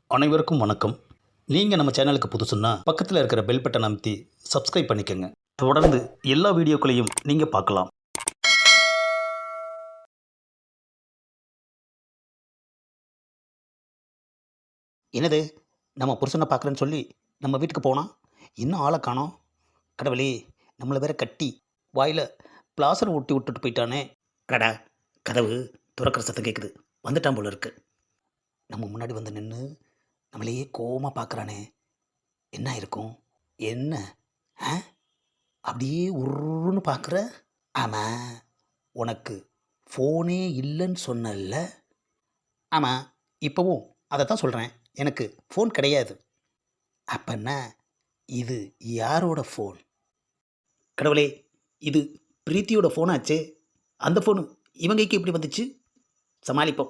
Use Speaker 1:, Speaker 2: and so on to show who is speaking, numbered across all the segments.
Speaker 1: அனைவருக்கும் வணக்கம். நீங்கள் நம்ம சேனலுக்கு புதுசுன்னா பக்கத்தில் இருக்கிற பெல் பட்டனை அமைத்தி சப்ஸ்கிரைப் பண்ணிக்கோங்க. தொடர்ந்து எல்லா வீடியோக்களையும் நீங்கள் பார்க்கலாம். என்னது, நம்ம புருஷனை பார்க்குறேன்னு சொல்லி நம்ம வீட்டுக்கு போனால் இன்னும் ஆளை காணோம். கடவுளே, நம்மளை வேற கட்டி வாயில் பிளாசர் ஊட்டி விட்டுட்டு போயிட்டானே. அடடா, கதவு துறக்கிற சத்தம் கேட்குது. வந்துட்டான் போல இருக்கு. நம்ம முன்னாடி வந்து நின்று நம்மளையே கோவமாக பார்க்குறானே. என்ன இருக்கும்? என்ன? ஆ, அப்படியே உருன்னு பார்க்குற. ஆமாம், உனக்கு ஃபோனே இல்லைன்னு சொன்னல்ல. ஆமாம், இப்போவும் அதை தான் சொல்கிறேன். எனக்கு ஃபோன் கிடையாது. அப்பன்னா இது யாரோட ஃபோன்? கடவுளே, இது பிரீத்தியோட ஃபோனாச்சே. அந்த ஃபோனு இவங்கைக்கு எப்படி வந்துச்சு? சமாளிப்போம்.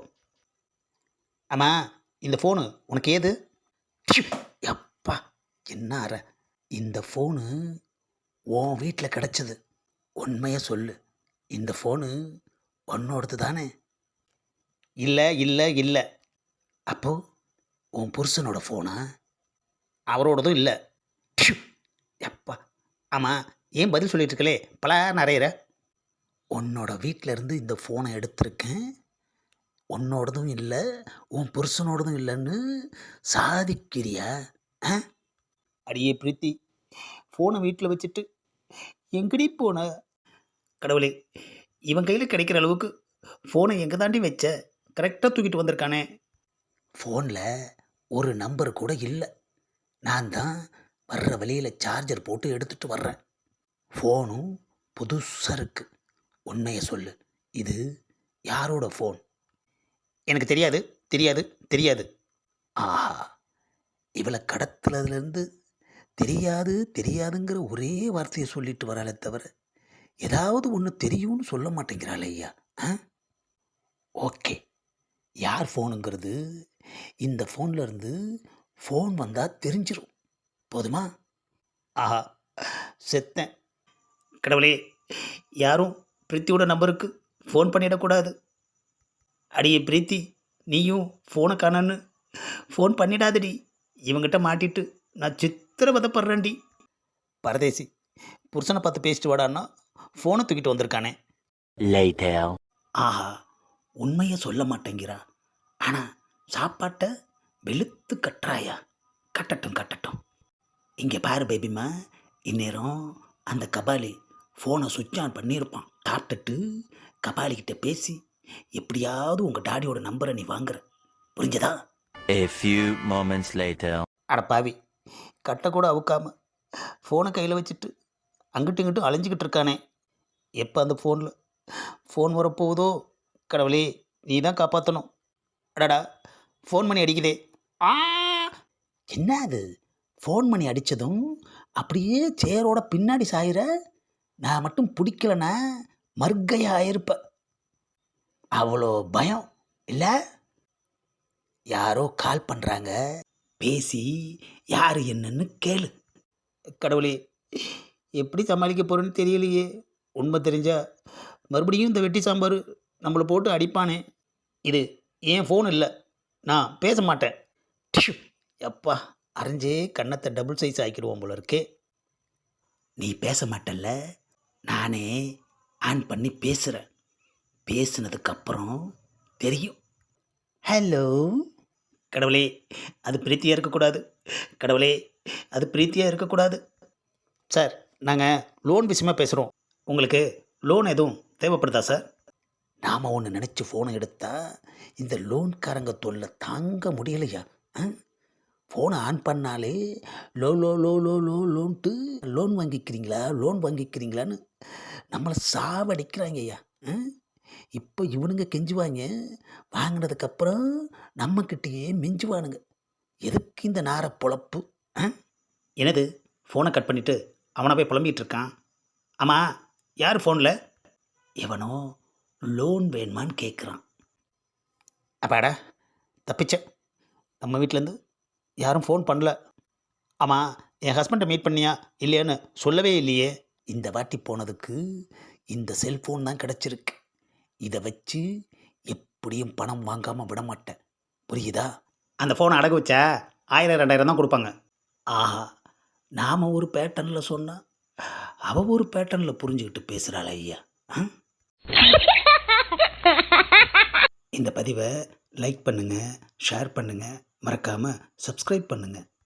Speaker 1: ஆமாம், இந்த ஃபோனு உனக்கு ஏது? ப்ஷு! அப்பா, என்ன அற. இந்த ஃபோனு உன் வீட்டில் கிடச்சிது. உண்மையை சொல்லு, இந்த ஃபோனு உன்னோடது தானே? இல்லை இல்லை இல்லை. அப்போ உன் புருஷனோட ஃபோனா? அவரோடதும் இல்லை. ப்ஷு! அப்பா. ஆமாம், ஏன் பதில் சொல்லிட்டு இருக்கலே பல நிறையிற. உன்னோட வீட்டில் இருந்து இந்த ஃபோனை எடுத்திருக்கேன். உன்னோடதும் இல்லை, உன் புருஷனோடதும் இல்லைன்னு சாதிக்கிறியா? ஆ, அடியே பிரீத்தி, ஃபோனை வீட்டில் வச்சுட்டு எங்கடி போன? கடவுளே, இவன் கையில் கிடைக்கிற அளவுக்கு ஃபோனை எங்கே தாண்டி வச்ச? கரெக்டாக தூக்கிட்டு வந்திருக்கானே. ஃபோனில் ஒரு நம்பர் கூட இல்லை. நான் தான் வர்ற வழியில் சார்ஜர் போட்டு எடுத்துகிட்டு வர்றேன். ஃபோனும் புதுசாக இருக்குது. உண்மையை சொல்லு, இது யாரோட ஃபோன்? எனக்கு தெரியாது தெரியாது தெரியாது. ஆஹா, இவளை கடத்துலதுலேருந்து தெரியாது தெரியாதுங்கிற ஒரே வார்த்தையை சொல்லிட்டு வராளே தவிர ஏதாவது ஒன்று தெரியும்னு சொல்ல மாட்டேங்கிறாள் ஐயா. ஆ, ஓகே, யார் ஃபோனுங்கிறது இந்த ஃபோனில் இருந்து ஃபோன் வந்தால் தெரிஞ்சிடும். போதுமா? ஆஹா, செத்தேன். கடவுளே, யாரும் பிரீத்தியோட நம்பருக்கு ஃபோன் பண்ணிடக்கூடாது. அடியே பிரீத்தி, நீயும் ஃபோனை காணன்னு ஃபோன் பண்ணிடாதடி. இவங்கிட்ட மாட்டிட்டு நான் சித்திரவதைப்படுறேன்டி. பரதேசி, புருஷனை பார்த்து பேசிட்டு வாடான்னா ஃபோனை தூக்கிட்டு வந்திருக்கானே. ஆஹா, உண்மையை சொல்ல மாட்டேங்கிறா. ஆனால் சாப்பாட்டை வெளுத்து கட்டுறாயா. கட்டட்டும் கட்டட்டும். இங்கே பாரு பேபிம்மா, இந்நேரம் அந்த கபாலி ஃபோனை சுவிட்ச் ஆன் பண்ணியிருப்பான். சாப்பிட்டுட்டு கபாலிக்கிட்ட பேசி எப்படியாவது உங்கள் டாடியோட நம்பரை நீ வாங்குற. புரிஞ்சதா?
Speaker 2: A few moments later.
Speaker 1: அட பாவி, கட்டை கூட அவுக்காம ஃபோனை கையில் வச்சுட்டு அங்கிட்டும் இங்கிட்டும் அலைஞ்சிக்கிட்டு இருக்கானே. எப்போ அந்த ஃபோன் வரப்போகுதோ? கடவுளே, நீ தான் காப்பாற்றணும். அடடா, ஃபோன் மணி அடிக்குதே. ஆ, என்ன அது? ஃபோன் மணி அடித்ததும் அப்படியே சேரோட பின்னாடி சாயிற. நான் மட்டும் பிடிக்கலன்னா மர்க்கையாக ஆயிருப்ப. அவ்வளோ பயம் இல்லை? யாரோ கால் பண்ணுறாங்க, பேசி யார் என்னன்னு கேளு. கடவுளே, எப்படி சமாளிக்க போகிறேன்னு தெரியலையே. உண்மை தெரிஞ்சா மறுபடியும் இந்த வெட்டி சாம்பார் நம்மளை போட்டு அடிப்பானே. இது ஏன் ஃபோன் இல்லை, நான் பேச மாட்டேன். டிஷ்யூ! எப்பா, அரைஞ்சே கன்னத்தை டபுள் சைஸ் ஆக்கிடுவோம் போல இருக்கே. நீ பேச மாட்டல்ல, நானே ஆன் பண்ணி பேசுகிறேன். பேசுனதுக்கப்புறம் தெரியும். ஹலோ. கடவுளே, அது பிரீத்தியாக இருக்கக்கூடாது. கடவுளே, அது பிரீத்தியாக இருக்கக்கூடாது. சார், நாங்கள் லோன் விஷயமா பேசுகிறோம். உங்களுக்கு லோன் எதுவும் தேவைப்படுதா சார்? நாம் ஒன்று நினச்சி ஃபோனை எடுத்தால் இந்த லோன்காரங்க தொல்லை தாங்க முடியலையா? ஃபோனை ஆன் பண்ணாலே லோ லோ லோ லோ லோ லோன்ட்டு லோன் வாங்கிக்கிறீங்களான்னு நம்மளை சாவடிக்கிறாங்க ஐயா. இப்போ இவனுங்க கெஞ்சுவாங்க, வாங்கினதுக்கப்புறம் நம்மக்கிட்டேயே மிஞ்சுவானுங்க. எதுக்கு இந்த நார பொழப்பு? என்னது, ஃபோனை கட் பண்ணிவிட்டு அவனை போய் புலம்பிகிட்டு இருக்கான். ஆமாம், யார் ஃபோனில்? எவனோ லோன் வேணுமான்னு கேட்குறான். அப்பாடா, தப்பிச்ச. நம்ம வீட்டிலேருந்து யாரும் ஃபோன் பண்ணல. ஆமாம், என் ஹஸ்பண்டை மீட் பண்ணியா இல்லையான்னு சொல்லவே இல்லையே. இந்த வாட்டி போனதுக்கு இந்த செல்ஃபோன் தான் கிடச்சிருக்கு. இதை வச்சு எப்படியும் பணம் வாங்காமல் விட மாட்டேன். புரியுதா? அந்த ஃபோனை அடகு வச்சா 1000 2000 தான் கொடுப்பாங்க. ஆஹா, நாம் ஒரு பேட்டர்னில் சொன்னால் அவள் ஒரு பேட்டர்னில் புரிஞ்சுக்கிட்டு பேசுகிறாள் ஐயா. இந்த பதிவை லைக் பண்ணுங்கள், ஷேர் பண்ணுங்கள், மறக்காமல் சப்ஸ்கிரைப் பண்ணுங்கள்.